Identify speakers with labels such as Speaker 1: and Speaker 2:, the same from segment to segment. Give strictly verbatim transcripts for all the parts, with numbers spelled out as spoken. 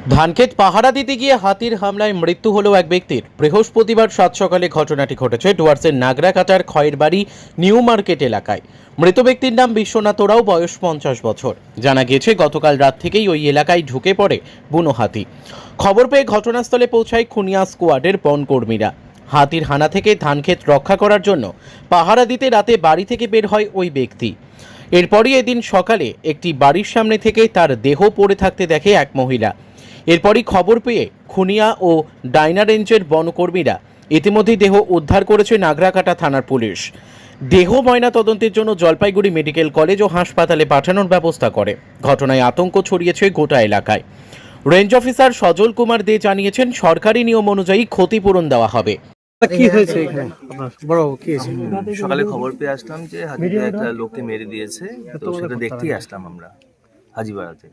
Speaker 1: ধানক্ষেত পাহারা দিতে গিয়ে হাতির হামলায় মৃত্যু হলো এক ব্যক্তির। বৃহস্পতিবার সাত সকালে ঘটনাটি ঘটেছে ডুয়ার্সের নাগরাকাটার খয়েরবাড়ি নিউ মার্কেট এলাকায়। মৃত ব্যক্তির নাম বিশ্বনাথ ওরাও, বয়স পঞ্চাশ বছর। জানা গিয়েছে গতকাল রাত থেকেই ওই এলাকায় ঢুকে পড়ে বুনো হাতি। খবর পেয়ে ঘটনাস্থলে পৌঁছায় খুনিয়া স্কোয়াডের বনকর্মীরা। হাতির হানা থেকে ধানক্ষেত রক্ষা করার জন্য পাহারা দিতে রাতে বাড়ি থেকে বের হয় ওই ব্যক্তি। এরপরই এদিন সকালে একটি বাড়ির সামনে থেকে তার দেহ পড়ে থাকতে দেখে এক মহিলা। এরপরই খবর পেয়ে খুনিয়া ও ডাইনা রেঞ্জের বনকর্মীরা ইতিমধ্যেই দেহ উদ্ধার করেছে নাগরাকাটা থানার পুলিশ। দেহ ময়না তদন্তের জন্য জলপাইগুড়ি মেডিকেল কলেজ ও হাসপাতালে পাঠানোর ব্যবস্থা করে। ঘটনায় আতঙ্ক ছড়িয়েছে গোটা এলাকায়। রেঞ্জ অফিসার সজল কুমার দে জানিয়েছেন, সরকারি নিয়ম অনুযায়ী ক্ষতিপূরণ দেওয়া হবে।
Speaker 2: কি হয়েছে এখানে আপনার বড় কি হয়েছে?
Speaker 3: সকালে খবর পেয়ে আসলাম যে হাতিতে একটা লোককে মেরে দিয়েছে, তো সেটা দেখতেই আসলাম আমরা হাজিপাড়াতে।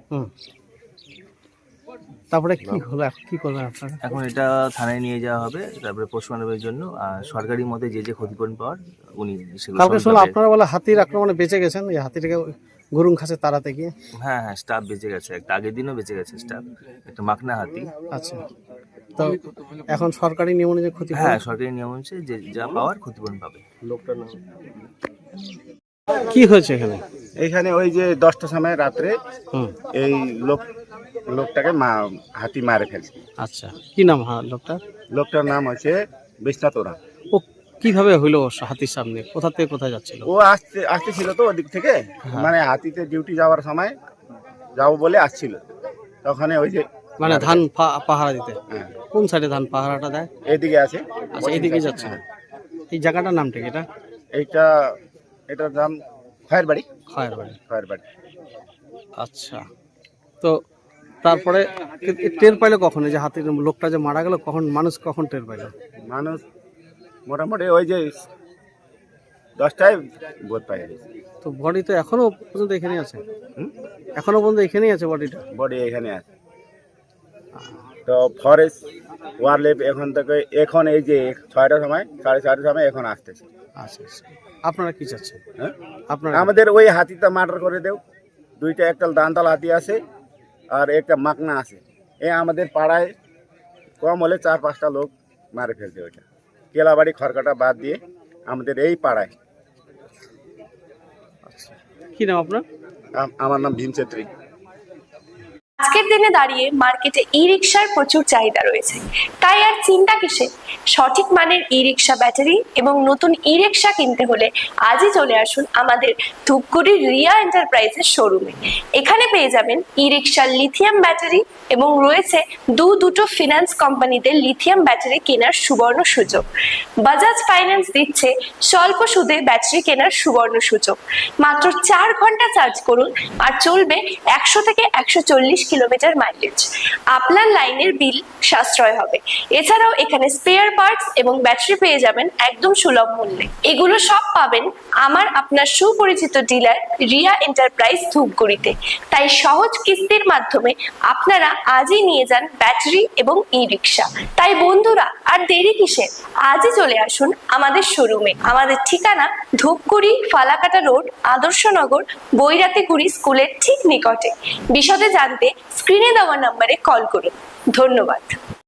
Speaker 2: তারপরে কি হলো, এখন কি করবেন আপনারা?
Speaker 3: এখন এটা থানায় নিয়ে যাওয়া হবে, তারপরে পোস্টমর্টমের জন্য। আর সরকারি মতে যে যে ক্ষতিপূরণ পাওয়ার উনি সেগুলো
Speaker 2: কালকে শুনলাম
Speaker 3: সরকারের-
Speaker 2: আপনারা বলে হাতির আক্রমণে বেঁচে গেছেন, এই হাতিটাকে গরুং খাসে তাড়াতে গিয়ে।
Speaker 3: হ্যাঁ হ্যাঁ, স্টাফ বেঁচে গেছে, একটা আগের দিনও বেঁচে গেছে স্টাফ, একটা মাকনা হাতি।
Speaker 2: আচ্ছা, তো এখন সরকারি নিয়ম অনুযায়ী ক্ষতি
Speaker 3: হ্যাঁ, সরকারি নিয়ম হচ্ছে যে যা পাওয়ার ক্ষতিপূরণ পাবে। লোকটার নাম
Speaker 2: কি হয়েছে এখানে?
Speaker 4: এইখানে ওই যে দশটার সময় রাত্রে
Speaker 2: হুম,
Speaker 4: এই লোক লোকটাকে মা হাতি মারে ফেলছে।
Speaker 2: আচ্ছা, কি নাম হ্যাঁ লোকটা?
Speaker 4: লোকটার নাম হচ্ছে বিশ্বনাথ ওরা।
Speaker 2: ও কিভাবে হইলো হাতির সামনে? কোথা থেকে কোথায় যাচ্ছিল?
Speaker 4: ও আসতে আসতেছিল তো ওদিক থেকে, মানে হাতিতে ডিউটি যাওয়ার সময় যাবো বলে আসছিল, তখন ওই যে
Speaker 2: মানে ধান পা- পাহারা দিতে?
Speaker 4: হ্যাঁ,
Speaker 2: কোন সাইডে ধান পাহারাটা দেয়?
Speaker 4: এদিকে আছে।
Speaker 2: আচ্ছা, এইদিকে যাচ্ছে।
Speaker 4: হ্যাঁ।
Speaker 2: এই জায়গাটার নামটা কি এটা?
Speaker 4: এইটা এটার নাম খয়ের বাড়ি।
Speaker 2: খয়ের বাড়ি।
Speaker 4: খয়ের বাড়ি।
Speaker 2: আচ্ছা, তো তারপরে এ- এ টের পাইলো কখন এই যে হাতির লোকটা যে মারা গেল? কখন মানুষ কখন টের পাইলো?
Speaker 4: মানুষ মোটামুটি ওই যে দশটায় বোধ পাই গেছে।
Speaker 2: তো বডি তো এখনো পর্যন্ত এখানেই আছে?
Speaker 4: হুম?
Speaker 2: এখনো পর্যন্ত এখানেই আছে বডিটা?
Speaker 4: বডি এখানে আছে। তো ফরেস্ট ওয়ারলেপ এখন থেকে এখন এই যে ছয়টার সময় সাড়ে ছয়টার সময় এখন আসতেছে।
Speaker 2: আচ্ছা আচ্ছা, আপনারা কি চাচ্ছেন?
Speaker 4: হ্যাঁ,
Speaker 2: আপনারা
Speaker 4: আমাদের ওই হাতিটা মার্ডার করে দেও। দুইটা, একটা দান্তাল হাতি আছে আর একটা মাকনা আছে। এ আমাদের পাড়ায় কম হলে চার পাঁচটা লোক মারে ফেলছে ওইটা। কেলাবাড়ি খড়কাটা বাদ দিয়ে আমাদের এই পাড়ায়।
Speaker 2: কি নাম আপনার?
Speaker 4: আম- আমার নাম ভীম ছেত্রী।
Speaker 5: আজকের দিনে দাঁড়িয়ে মার্কেটে ই রিক্সার প্রচুর চাহিদা রয়েছে, তাই আর চিন্তা কিসে? সঠিক মানের ই রিক্সা ব্যাটারি এবং নতুন ই রিক্সা কিনতে হলে আজই চলে আসুন আমাদের ধূপগুড়ির রিয়া এন্টারপ্রাইজের শোরুমে। এখানে পেয়ে যাবেন ই রিক্সার লিথিয়াম ব্যাটারি এবং রয়েছে দু দুটো ফিনান্স কোম্পানিতে লিথিয়াম ব্যাটারি কেনার সুবর্ণ সুযোগ। বাজাজ ফাইন্যান্স দিচ্ছে স্বল্প সুদে ব্যাটারি কেনার সুবর্ণ সুযোগ। মাত্র চার ঘন্টা চার্জ করুন আর চলবে একশো থেকে একশো চল্লিশ কিলোমিটার মাইলেজ। আপনার লাইনের বিল সাশ্রয় হবে। এছাড়াও এখানে স্পেয়ার পার্টস এবং ব্যাটারি পেয়ে যাবেন একদম সুলভ মূল্যে। এগুলো সব পাবেন আমার আপনার সুপরিচিত ডিলার রিয়া এন্টারপ্রাইজ ধূপগুড়িতে। তাই সহজ কিস্তির মাধ্যমে আপনারা আজই নিয়ে যান ব্যাটারি এবং ই রিক্সা। তাই বন্ধুরা, আর দেরি কিসের? আজই চলে আসুন আমাদের শোরুমে। আমাদের ঠিকানা ধূপগুড়ি ফালাকাটা রোড, আদর্শনগর, বৈরাতিগুড়ি স্কুলের ঠিক নিকটে। বিশদে জানতে স্ক্রিনে দেওয়া নম্বরে কল করুন। ধন্যবাদ।